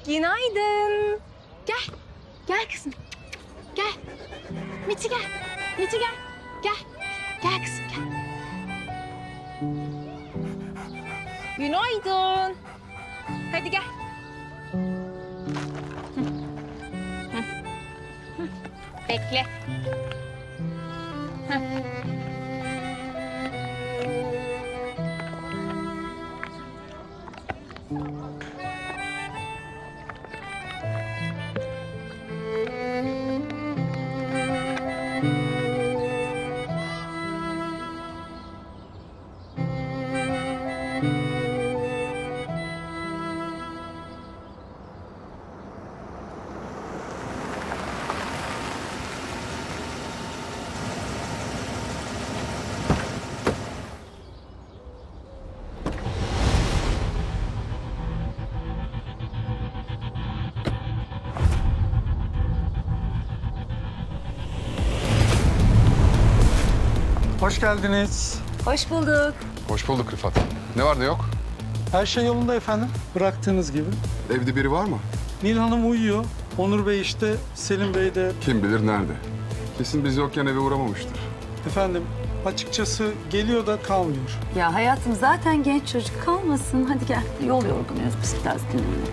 Günaydın. Gel. Gel kızım. Gel. Miti gel. Miti gel. Gel. Gel kızım gel. Günaydın. Hadi gel. Bekle. Hoş geldiniz. Hoş bulduk. Hoş bulduk Rıfat. Ne var ne yok? Her şey yolunda efendim. Bıraktığınız gibi. Evde biri var mı? Nil Hanım uyuyor. Onur Bey işte, Selim Bey de. Kim bilir nerede? Kesin biz yokken eve uğramamıştır. Efendim açıkçası geliyor da kalmıyor. Ya hayatım zaten genç çocuk kalmasın. Hadi gel. Yol yorgunuyuz biz biraz dinlenelim.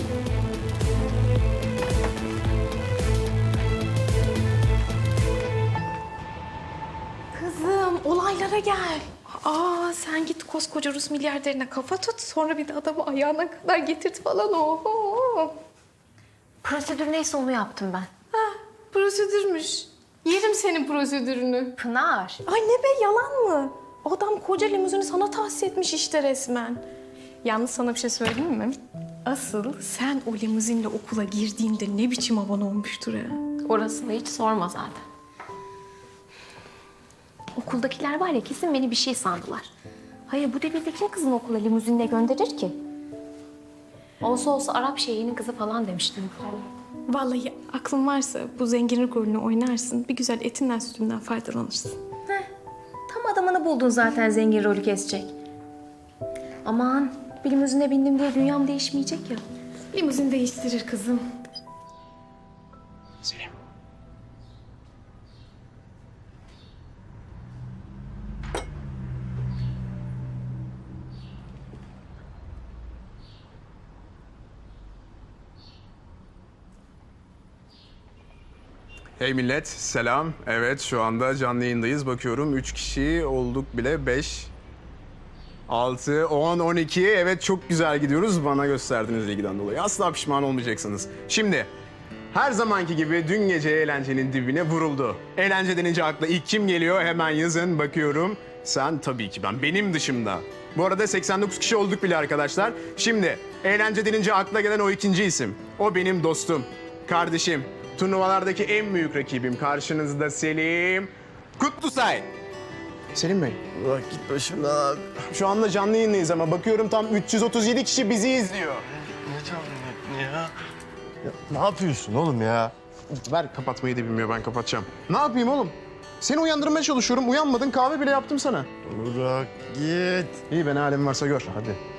Kızım olaylara gel. Sen git koskoca Rus milyarderine kafa tut. Sonra bir de adamı ayağına kadar getirt falan. Oho. Prosedür neyse onu yaptım ben. Prosedürmüş. Yerim senin prosedürünü. Pınar. Ay ne be yalan mı? Adam koca limuzini sana tahsis etmiş işte resmen. Yalnız sana bir şey söyleyeyim mi? Asıl sen o limuzinle okula girdiğinde ne biçim havan olmuştur ha? Orasını hiç sorma zaten. Okuldakiler var ya kesin beni bir şey sandılar. Hayır bu devirde kim kızını okula limuzinle gönderir ki? Olsa olsa Arap şeyhinin kızı falan demiştim. Vallahi aklın varsa bu zenginlik rolünü oynarsın. Bir güzel etinden sütünden faydalanırsın. Tam adamını buldun zaten zengin rolü kesecek. Aman bir limuzine bindim diye dünyam değişmeyecek ya. Limuzin değiştirir kızım. Hey millet, selam. Evet, şu anda canlı yayındayız. Bakıyorum 3 kişi olduk bile. 5, 6, 10, 12. Evet, çok güzel gidiyoruz. Bana gösterdiğiniz ilgiden dolayı. Asla pişman olmayacaksınız. Şimdi, her zamanki gibi dün gece eğlencenin dibine vuruldu. Eğlence denince akla ilk kim geliyor? Hemen yazın, bakıyorum. Sen tabii ki ben, benim dışımda. Bu arada 89 kişi olduk bile arkadaşlar. Şimdi, eğlence denince akla gelen o ikinci isim. O benim dostum, kardeşim. Turnuvalardaki en büyük rakibim. Karşınızda Selim Kutlusay. Selim Bey. Bırak git başımdan abi. Şu anda canlı yayındayız ama bakıyorum tam 337 kişi bizi izliyor. Ne canlı ya? Ya ne yapıyorsun oğlum ya? Ver kapatmayı da bilmiyor, ben kapatacağım. Ne yapayım oğlum? Seni uyandırmaya çalışıyorum. Uyanmadın, kahve bile yaptım sana. Bırak git. İyi, ben halim varsa gör. Hadi.